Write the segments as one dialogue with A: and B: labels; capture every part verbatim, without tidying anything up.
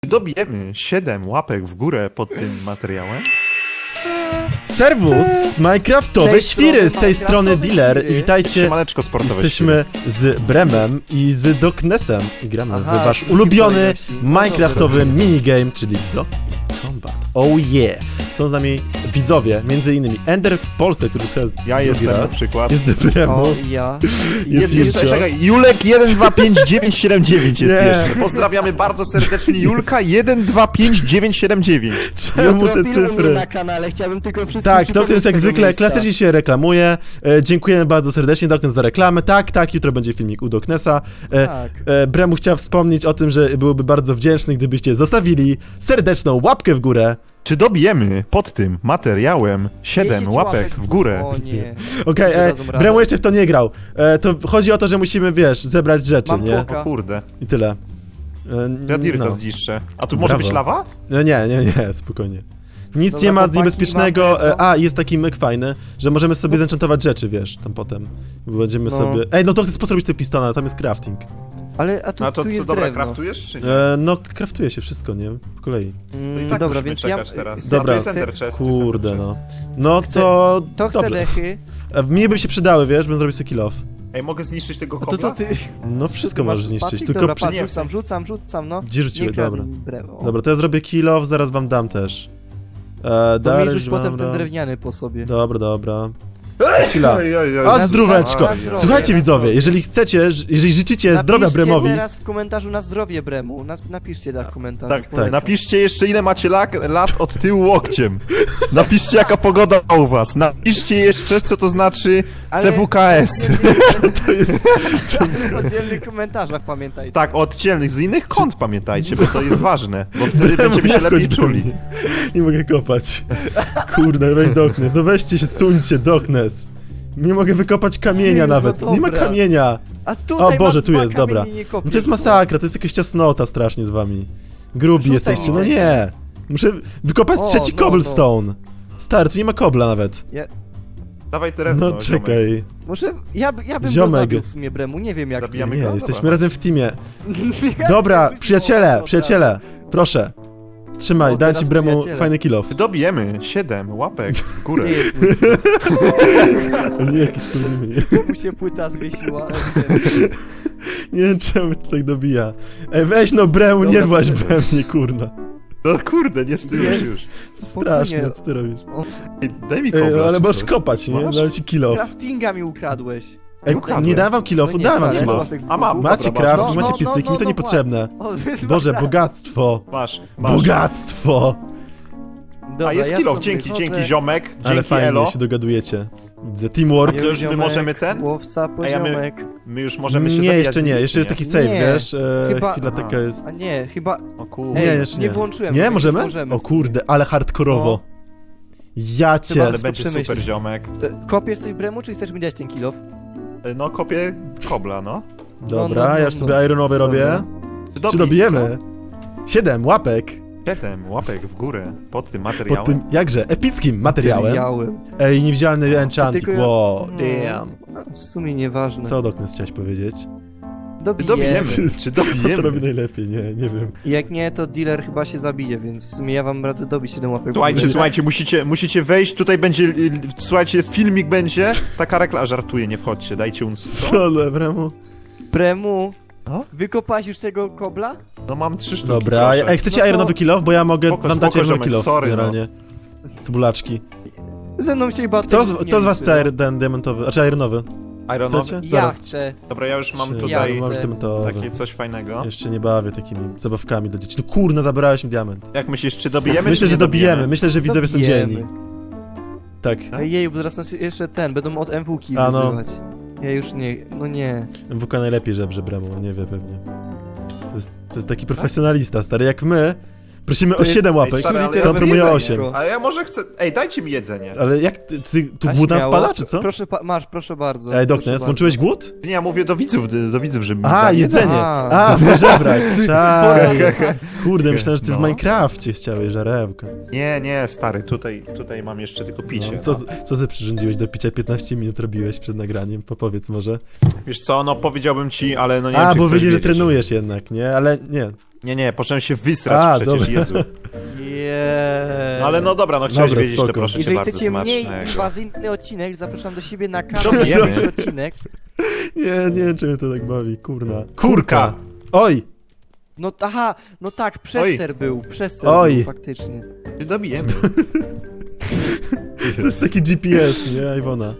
A: Dobijemy siedem łapek w górę pod tym materiałem.
B: Serwus, Minecraftowe
C: tej
B: świry, z tej strony
C: Minecraftowe
B: Dealer i
C: świry.
B: witajcie,
A: Siemaneczko sportowe.
B: jesteśmy z Bremem i z Doknesem i gramy
C: Aha,
B: w wasz
C: taki
B: ulubiony
C: kolejności. No
B: Minecraftowy
C: dobra.
B: minigame, czyli Block i Combat. Oh yeah! Są z nami widzowie, między innymi Ender Polsce, który już jest
A: Ja
B: drugi
A: jestem na
B: raz.
A: przykład.
B: Jest Bremu,
C: O, i ja.
A: Jest
B: Jest
A: jeszcze,
B: Julcio.
A: czekaj, Julek jeden dwa pięć dziewięć siedem dziewięć jest
B: Nie.
A: jeszcze. Pozdrawiamy bardzo serdecznie Julka jeden dwa pięć dziewięć siedem dziewięć.
B: czemu te
C: Trafiłem
B: cyfry?
C: mnie na kanale, chciałbym tylko wszystkim
B: Tak,
C: przypomnieć
B: Doknes jak
C: tego
B: zwykle
C: miejsca.
B: klasycznie się reklamuje. E, dziękujemy bardzo serdecznie, Doknes, za reklamę. Tak, tak, jutro będzie filmik u Doknesa. E,
C: Tak.
B: e, Bremu chciał wspomnieć o tym, że byłby bardzo wdzięczny, gdybyście zostawili serdeczną łapkę w górę.
A: Czy dobijemy pod tym materiałem siedem
C: dziesięć
A: łapek w górę?
C: O nie.
B: Okej, e,
C: Dadzą radę.
B: Bremu jeszcze w to nie grał. E, to chodzi o to, że musimy, wiesz, zebrać rzeczy,
C: Mam
B: nie?
C: koka.
A: O kurde,
B: I tyle. E,
A: ja Dirta
B: no.
A: zniszczę. A tu może
B: Brawo.
A: być lawa?
B: No nie, nie, nie, spokojnie. Nic
C: Dobra,
B: nie ma
C: chłopaki,
B: niebezpiecznego.
C: mamy to.
B: E, a, jest taki myk fajny, że możemy sobie zenchantować rzeczy, wiesz, tam potem. Będziemy
C: No.
B: sobie... Ej, no to chcę posrobić te pistona, tam jest crafting.
C: Ale, a tu,
A: No to
C: tu
A: co,
C: jest
A: dobra,
C: drewno.
A: kraftujesz czy nie?
B: E, no, kraftuje się wszystko, nie? Po kolei.
C: Mm,
A: I tak
C: dobra,
A: musimy
C: więc ja...
A: czekać teraz.
B: Dobra.
A: A tu jest ender chest, tu jest
B: Kurde,
A: ender
B: no.
A: chest.
B: No
C: Chcę-
B: to...
C: To chcę
B: dobrze.
C: dechy.
B: E, Mnie by się przydały, wiesz, bym zrobił sobie kill off.
A: Ej, mogę zniszczyć tego
C: A to
A: kobla?
C: co ty?
B: No wszystko
C: Ty masz
B: możesz zniszczyć,
C: patyk?
B: tylko...
C: Dobra,
B: przy-
C: patrz,
A: nie,
C: rzucam, rzucam, rzucam, no.
B: Gdzie rzuciłeś?
C: Nie kradnij
B: Dobra.
C: bremu. O.
B: Dobra, to ja zrobię kill off, zaraz wam dam też. E,
C: To mi
B: Dariusz,
C: rzuć potem
B: dobra.
C: ten drewniany po sobie.
B: Dobra, dobra. Chwila.
A: Ej, ej, ej.
B: A
C: Na-
B: zdróweczko!
C: na zdrowie,
B: Słuchajcie
C: na
B: widzowie,
C: zdrowie.
B: jeżeli chcecie, jeżeli życzycie zdrowia
C: Napiszcie
B: Bremowi...
C: teraz w komentarzu na zdrowie Bremu. Nas, napiszcie tak w komentarzu.
A: Tak,
C: polecam.
A: tak. Napiszcie jeszcze ile macie lak, lat od tyłu łokciem. Napiszcie jaka pogoda u was. Napiszcie jeszcze co to znaczy
C: Ale-
A: C W K S.
C: To jest... W oddzielnych komentarzach pamiętajcie.
A: Tak, oddzielnych, z innych kont pamiętajcie, bo to jest ważne. Bo wtedy
B: Bremu,
A: będziemy się
B: nie wchodź
A: lepiej
B: do
A: czuli.
B: mnie. Nie mogę kopać. Kurde, weź Doknes, no weźcie się, suńcie, Doknes. Nie mogę wykopać kamienia
C: Ty, no
B: nawet, nie ma
C: dobra.
B: kamienia.
C: A tutaj
B: O Boże,
C: masz
B: tu
C: dwa
B: jest, dobra.
C: kamienie, nie kopiesz,
B: No to jest
C: bo-
B: masakra, to jest jakaś ciasnota strasznie z wami. Grubi
C: Rzucaj
B: jesteście, no
C: mi.
B: nie. Muszę wykopać
C: O,
B: trzeci
C: no,
B: cobblestone. Stary, tu nie ma kobla nawet.
A: Dawaj drewno,
B: No czekaj.
C: Może ja, by- ja bym
B: Ziomek.
C: go zabił w sumie Bremu, nie wiem jak
A: Zabijamy
C: ty.
B: Nie,
A: go?
B: jesteśmy
A: Dobra.
B: razem w teamie.
C: Ja
B: Dobra,
C: bym
B: przyjaciele,
C: wziął
B: przyjaciele, proszę. Trzymaj,
C: O,
B: dam
C: teraz
B: ci Bremu
C: przyjaciele.
B: fajny kill off.
A: Czy dobijemy siedem łapek w górę?
C: Nie jest mój.
B: Nie, jakieś problemy, nie.
C: Mu się płyta zwiesiła.
B: Nie wiem czemu to tak dobija. Ej, weź no Bremu, nie
C: Dobra,
B: właź
C: to-
B: we mnie, kurna.
A: No kurde, nie stylujesz już.
B: Strasznie, co ty robisz?
A: Ej, daj mi
B: Ej,
A: kobla.
B: no, ale
A: czy
B: możesz
A: coś.
B: kopać, nie?
A: Masz?
B: Dam ci kill off.
C: Craftinga mi ukradłeś.
B: Ej,
A: ukradłem.
B: nie dawam kill offu,
C: No nie,
B: dawam
C: wcale,
B: kill
C: to
B: off.
C: masz
A: A mam,
B: Macie
A: dobra,
B: craft,
A: masz.
C: No,
B: macie
C: no,
B: piecyki,
C: no,
B: mi to
C: no,
B: niepotrzebne.
C: O,
B: Boże, bogactwo.
A: Masz, masz.
B: Bogactwo!
C: Dobra,
A: A jest
C: ja
A: kilof,
C: sobie
A: dzięki,
C: chodzę.
A: dzięki ziomek,
B: Ale
A: dzięki
B: fajnie
A: Elo.
B: się dogadujecie. Widzę, teamwork.
A: To już my
C: Ziomek,
A: możemy ten?
C: Łowca,
A: Ej, a my-
C: poziomek.
A: My już możemy się
B: Nie,
A: zabijać
B: jeszcze
A: z
B: nie,
A: nimi,
B: jeszcze
A: czy
B: jest taki save,
C: Nie,
B: wiesz? E,
C: chyba-
B: chwila
A: Aha.
B: taka jest.
C: A nie, chyba...
A: O kurde.
C: Ej,
B: Nie, jeszcze
C: nie
B: nie.
C: włączyłem.
B: Nie,
C: może
B: możemy?
C: możemy
B: O
C: w sumie.
B: kurde, ale hardkorowo. Ja cię.
A: Ale
C: to
A: będzie super
C: przemyślić.
A: ziomek.
C: E, Kopiesz coś Bremu, czy chcesz mi dać ten kilof?
A: No kopię kobla, no.
B: Dobra,
C: no, no,
B: ja już
C: no.
B: sobie ironowy robię.
C: Dobra.
A: Czy,
B: Czy dobijemy? Siedem łapek
A: Siedem łapek w górę pod tym
B: pod
A: materiałem.
B: tym jakże epickim materiałem.
C: Materiałem.
B: Ej, niewidzialny enchanting,
C: Tylko ja-
B: wow,
C: No.
B: damn.
C: W sumie nieważne.
B: Co Doknes chciałeś powiedzieć?
A: Czy
C: Dobijemy.
A: dobijemy? Czy
B: On to robi
A: dobijemy?
B: najlepiej, nie, nie wiem.
C: Jak nie, to dealer chyba się zabije, więc w sumie ja wam radzę dobić siedem łapek. w
A: Słuchajcie,
C: górę.
A: słuchajcie, musicie, musicie wejść, tutaj będzie, y, słuchajcie, filmik będzie, taka reklama, żartuję, nie wchodźcie, dajcie uns.
B: Co, Bremu?
C: Bremu,
A: No?
C: wykopałeś już tego kobla?
A: No mam trzy sztuki,
B: Dobra,
A: proszę.
B: ej, chcecie
C: No to-
B: ironowy kill off? Bo ja mogę
A: Spoko,
B: wam dać
A: spoko,
B: ironowy
A: ziomek,
B: kill off,
A: sorry, no.
B: generalnie. Cebulaczki.
C: Ze mną się chyba
B: Kto
C: tym
B: z,
C: nie
B: kto z was
C: liczy,
B: chce
C: no.
B: ir- ten diamentowy, znaczy ironowy?
A: Ironowy?
B: Chcecie?
C: Ja
B: Dobra.
C: chcę.
A: Dobra, ja już mam
B: Czy-
A: tutaj
C: Ja
B: Masz
C: chcę.
B: diamentowy.
A: takie coś fajnego.
B: Jeszcze nie bawię takimi zabawkami dla dzieci. No kurna, zabrałeś mi diament.
A: Jak myślisz, czy dobijemy,
B: Myślę,
A: czy
B: że
A: nie
B: dobijemy. Myślę, że widzowie są
C: Dobijemy.
B: dzielni. Tak.
C: Ej, Jej, bo zaraz nas jeszcze ten, będą od M W ki
B: A, no.
C: wyzywać. Ja już nie, no nie.
B: M W K najlepiej żebrze Bremu, nie wie pewnie. To jest, to jest taki profesjonalista, stary, jak my. Prosimy
C: To
B: o
C: jest-
B: siedem
A: Ej,
B: łapek,
A: stary, ale
B: to
A: ja
B: on promuje
A: jedzenie.
B: osiem.
A: A ja może chcę... Ej, dajcie mi jedzenie.
B: Ale jak, ty, ty tu
C: A
B: głód nam
C: śmiało?
B: spada, czy co?
C: Proszę, pa- masz, proszę bardzo.
B: Ej,
C: proszę
B: Doknes,
C: bardzo.
B: włączyłeś głód?
A: Nie, ja mówię do widzów, do widzów, żeby mi
B: A,
A: dali
B: jedzenie!
C: A.
B: A, w żebrać, czaj. Kurde, myślałem, że ty w
A: No.
B: Minecrafcie chciałeś żarełka.
A: Nie, nie, stary, tutaj, tutaj mam jeszcze tylko picie.
B: No, co, co ze przyrządziłeś do picia? piętnaście minut robiłeś przed nagraniem, popowiedz może.
A: Wiesz co, no powiedziałbym ci, ale no nie wiem,
B: A,
A: czy
B: bo
A: chcesz
B: widzisz, że
A: wiedzieć.
B: trenujesz jednak, nie? Ale nie.
A: Nie, nie, poszedłem się wysrać
B: A,
A: przecież,
B: dobra.
A: Jezu.
C: Jeee.
A: No ale no dobra, no chciałeś
B: Dobra,
A: wiedzieć, to
B: spoko.
A: proszę cię
C: Jeżeli
A: bardzo
C: chcecie mniej
A: smacznego.
C: inwazyjny odcinek, zapraszam do siebie na
A: Co
C: kanał.
A: jemy?
C: Pierwszy odcinek.
B: Nie, nie wiem, czy mnie to tak bawi, kurna.
A: Kurka!
B: Oj!
C: No aha, no tak, przester był, przester
B: Oj.
C: był faktycznie.
A: Ty dobijemy.
B: To jest taki G P S, nie, Iwona?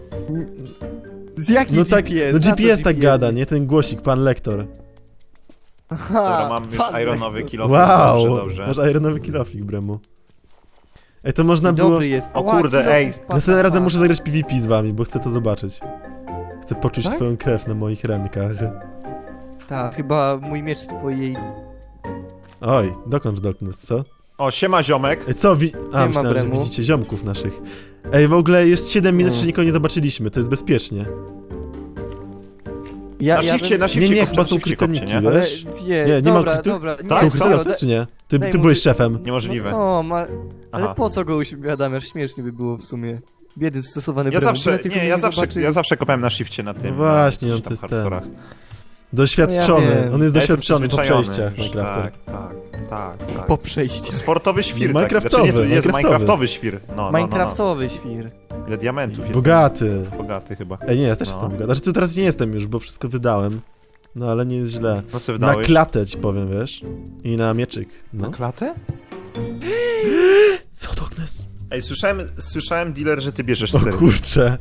C: Z jaki
B: No tak,
C: G P S?
B: no
C: Na co
B: G P S tak
C: G P S?
B: gada, nie? Ten głosik, pan lektor.
C: Aha,
A: Dobra, mam już
C: pan
A: ironowy
C: lektor.
A: kilof.
B: Wow!
A: Dobrze, dobrze.
B: Masz ironowy kilofik, Bremu. Ej, to można było...
C: Dobry jest.
A: O
C: Ła,
A: kurde,
C: kilo
A: ej.
C: jest
B: Następnym razem
C: pana.
B: muszę zagrać PvP z wami, bo chcę to zobaczyć. Chcę poczuć
A: Tak?
B: twoją krew na moich rękach.
C: Tak, chyba mój miecz twojej...
B: Oj, dokąd dokąd, co?
A: O, siema ziomek.
B: Ej, co wi... A,
C: ma
B: myślałem, że
C: Bremu.
B: widzicie ziomków naszych. Ej, w ogóle jest siedem minut,
C: Mm.
B: jeszcze nikogo nie zobaczyliśmy, to jest bezpiecznie.
C: Ja,
A: Na
C: ja
A: shifcie,
C: bym-
A: na
B: Nie,
A: shifcie
B: nie,
A: kopcie,
B: chyba
A: na
B: są
A: shifcie kopcie,
B: kryptoniki,
A: nie?
C: Ale
B: wiesz?
C: nie,
B: Nie, nie ma
C: dobra,
B: krypto-
C: dobra.
A: Tak,
B: Są
A: są,
B: kryptoniki,
C: da-
B: czy nie? Ty,
C: daj
B: ty
C: mu
B: byłeś
C: wy-
B: szefem.
A: Niemożliwe.
C: No są, ale, ale
A: Aha.
C: po co go uśmiadamiasz? Śmiesznie by było w sumie. Biedy stosowany
A: Ja
C: bremu,
A: zawsze,
C: byle tylko
A: nie,
C: mnie
A: ja zawsze,
C: zobaczyli.
A: ja zawsze kopałem na shifcie na tym.
B: No właśnie,
A: na
B: on
A: jakichś
B: to
A: tam
B: jest ten.
A: hardkorach.
B: Doświadczony,
C: No ja wiem.
B: on jest
A: Ja jestem
B: doświadczony po
A: przyzwyczajony
B: przejściach
A: już,
B: Minecrafter.
A: Tak, tak, tak, tak.
C: Po przejściu.
A: Sportowy świr, tak.
B: Minecraftowy,
A: Znaczy, jest, jest
B: Minecraftowy.
A: Minecraftowy świr. No, no, no, no.
C: Minecraftowy świr.
A: Ile diamentów jest?
B: Bogaty.
A: Bogaty chyba.
B: Ej, nie, ja też
A: No.
B: jestem bogaty. Znaczy, tu teraz nie jestem już, bo wszystko wydałem. No, ale nie jest źle.
A: No co
B: Na
A: wydałeś?
B: klatę ci powiem, wiesz? I na mieczyk.
A: Na
B: No.
A: klatę?
B: Co to jest?
A: Ej, słyszałem, słyszałem dealer, że ty bierzesz
B: O
A: stery.
B: kurcze.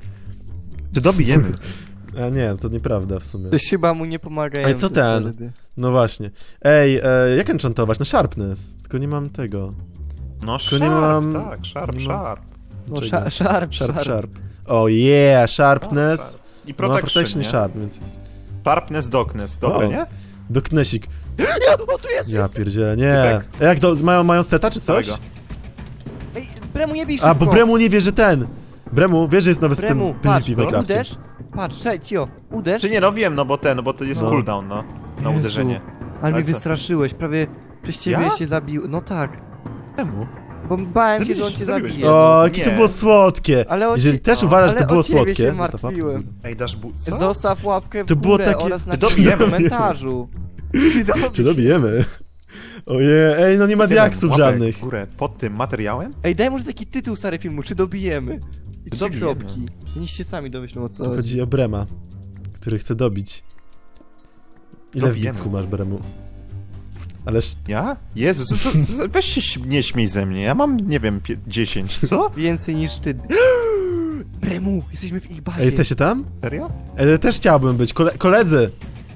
A: Czy dobijemy?
B: A nie, to nieprawda w sumie.
C: Ktoś chyba mu nie pomagają.
B: Ej, co
C: te
B: ten?
C: sterdy.
B: No właśnie. Ej, e, jak enchantować? Na sharpness. Tylko nie mam tego.
A: No
B: Tylko
A: sharp,
B: nie mam-
A: tak, sharp,
B: nie mam-
A: sharp.
C: No,
B: Czego?
C: sharp, sharp,
B: Sharp, sharp. O yeah, sharpness.
A: I
B: No,
A: protection,
B: protection i
A: nie?
B: sharp, więc...
A: Sharpness, darkness, dobre,
B: O.
A: nie?
B: Doknesik.
C: O, tu jest!
B: Ja pierdzielę, nie. A jak to, mają, mają seta czy coś?
A: Całego.
C: Ej, Bremu nie bij
B: A, bo
C: szybko.
B: Bremu nie wie, że ten. Bremu, wiesz, że jest nowy system
C: Bremu,
B: PvP
C: patrz,
B: w Minecrafcie.
C: uderz. Patrz, czekaj, cio, uderz.
A: Czy nie, no wiem, no bo ten, no bo to jest
B: No.
A: cooldown, no. Na
C: Jezu,
A: uderzenie.
C: Ale mnie
A: Ale co?
C: wystraszyłeś, prawie przez ciebie
A: Ja?
C: się zabił. No tak,
A: Czemu?
C: bo bałem się, że on
A: Zabiłeś-
C: cię
A: zabiłeś
C: zabije.
A: go.
B: O,
A: no,
B: jakie to
A: nie.
B: było słodkie.
C: Ale o
B: Jeżeli
C: ci-
B: też
A: o,
B: uważasz, że
C: ale
B: to było
C: o ciebie
B: słodkie...
C: się
B: zostaw łapkę w
C: martwiłem.
B: górę.
A: Ej, dasz bu... Co?
C: Zostaw łapkę w
B: To było
C: górę
B: takie-
C: oraz
A: Ty
C: napisz
A: dobijemy.
C: w komentarzu. Czy dobi-
B: Czy dobijemy? Ojej, ej, no nie ma diaksów
A: Łapek
B: żadnych.
A: w górę pod tym materiałem?
C: Ej, daj może taki tytuł stary filmu, czy dobijemy? I trzy
A: Dobijemy.
C: kropki. Niech się sami domyślą o co
B: Tu
C: chodzi.
B: chodzi o Brema, który chce dobić. Ile w
A: Dobijemy.
B: bicku masz, Bremu? Ależ...
A: Ja? Jezu, co, co, co, weź się śm- nie śmiej ze mnie, ja mam, nie wiem, pie- dziesięć, co?
C: Więcej niż ty. Bremu, jesteśmy w ich bazie.
B: Ej, jesteście tam?
A: Serio?
B: Ej, też chciałbym być. Kole koledzy!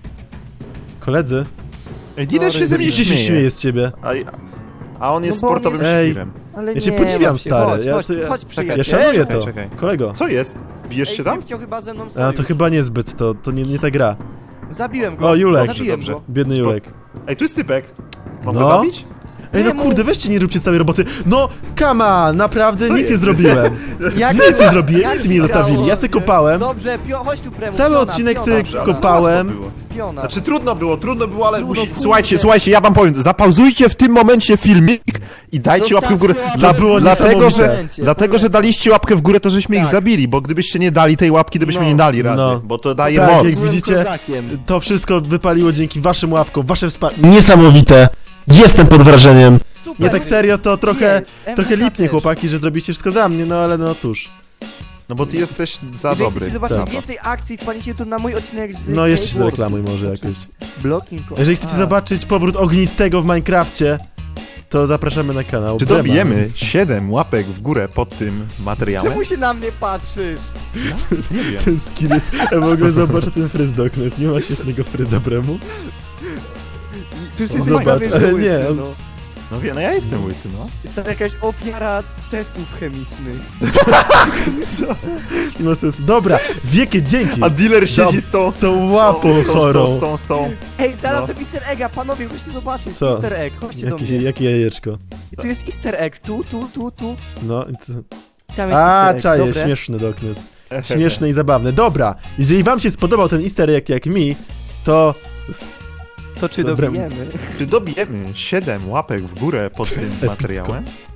B: Koledzy?
A: Ej, dealer się ze mnie
B: Gdzie się śmieje
A: śmieje.
B: z ciebie?
A: A, a on jest
C: No bo on
A: sportowym
C: jest-
B: Ej.
A: świrem.
C: Ale
B: Ja cię
C: nie,
B: podziwiam,
C: Maciej,
B: stary.
C: Chodź,
B: Ja
C: chodź,
B: to- ja-
C: chodź
A: czekaj,
C: przyjaciel.
B: Ja szanuję
A: czekaj,
B: to.
A: czekaj.
B: Kolego.
A: Co jest? Bijesz
C: Ej,
A: się tam?
C: typ chciał chyba ze mną
B: A,
C: sojusz.
B: to chyba niezbyt, to, to nie, nie ta gra.
C: Zabiłem go.
B: O, Julek.
C: Zabiłem
A: Dobrze,
C: go.
B: Biedny
A: Spo-
B: Julek.
A: Ej, tu jest typek. Mam
B: No.
A: go zabić?
B: Ej, no
C: Czemu?
B: kurde, weźcie, nie róbcie całej roboty. No, come on, naprawdę
A: To
B: nic nie
A: jest.
B: zrobiłem.
C: Jak-
B: Nic nie zrobiłem,
C: jak
B: nic mi nie
C: ci
B: zostawili.
C: grało?
B: Ja se kopałem.
C: Dobrze, pio, chodź tu Bremu.
B: Cały
C: piona,
B: odcinek
C: piona,
B: sobie
A: Dobrze, ale
B: kopałem.
A: łatwo było.
C: Piona.
A: Znaczy trudno było, trudno było, ale
C: Trudno,
A: musi...
C: kurde.
A: Słuchajcie, słuchajcie, ja wam powiem, zapauzujcie w tym momencie filmik i dajcie łapkę w górę.
C: Zostawcie
A: Dla,
C: łapkę
B: było
C: w górę.
A: dlatego, że,
C: Momencie,
A: dlatego, że daliście łapkę w górę, to żeśmy ich
C: Tak.
A: zabili, bo gdybyście nie dali tej łapki, to byśmy
C: No.
A: nie dali rady,
B: No.
A: bo to daje
B: Tak,
A: moc.
B: jak
C: Byłem
B: widzicie,
C: kozakiem.
B: To wszystko wypaliło dzięki waszym łapkom, wasze wsparcie. Niesamowite. Jestem pod wrażeniem.
C: Super.
B: Nie tak serio, to trochę,
C: Nie,
B: trochę
C: M W K
B: lipnie
C: też.
B: chłopaki, że zrobiliście wszystko za mnie, no ale no cóż.
A: No bo ty jesteś za
C: Jeżeli
A: dobry.
C: chcecie zobaczyć
B: Tak.
C: więcej akcji, wpadnijcie tu na mój odcinek z
B: No jeszcze się
C: Cave Warsów.
B: zareklamuj może jakoś.
C: Blocking.
B: Jeżeli chcecie
C: A.
B: zobaczyć powrót ognistego w Minecrafcie, to zapraszamy na kanał.
A: Czy
B: Brema.
A: dobijemy siedem łapek w górę pod tym materiałem?
C: Czemu się na mnie patrzysz?
A: Nie wiem.
B: Ten skill jest... Ja w ogóle zobaczę ten fryz do okna, nie ma świetnego fryza Bremu.
C: Przecież
A: No
C: jesteś
B: zobacz,
C: prawie, że
B: ale
C: łysy,
B: nie, on-
C: no.
A: No wiem, no ja jestem łysy, no.
C: Jest to jakaś ofiara testów chemicznych.
B: Nie ma sensu. Dobra, wielkie dzięki.
A: A dealer siedzi
B: Dob-
A: z tą...
B: z tą łapą
A: z tą,
B: chorą.
A: Z tą, z tą, z tą.
C: Ej, znalazłem
A: No.
C: easter egga, panowie, chodźcie zobaczyć.
B: Co?
C: Easter egg, chodźcie do
B: Jakieś,
C: mnie.
B: jakie jajeczko.
C: I tu jest easter egg, tu, tu, tu, tu.
B: No i co?
C: Tam jest
B: A,
C: easter egg,
B: czaję,
C: dobre.
B: śmieszny Doknes. Śmieszne i zabawne. Dobra, jeżeli wam się spodobał ten easter egg jak mi, to...
C: To czy
B: Dobre.
C: dobijemy?
A: Czy dobijemy siedem łapek w górę pod tym
B: Epicko.
A: materiałem?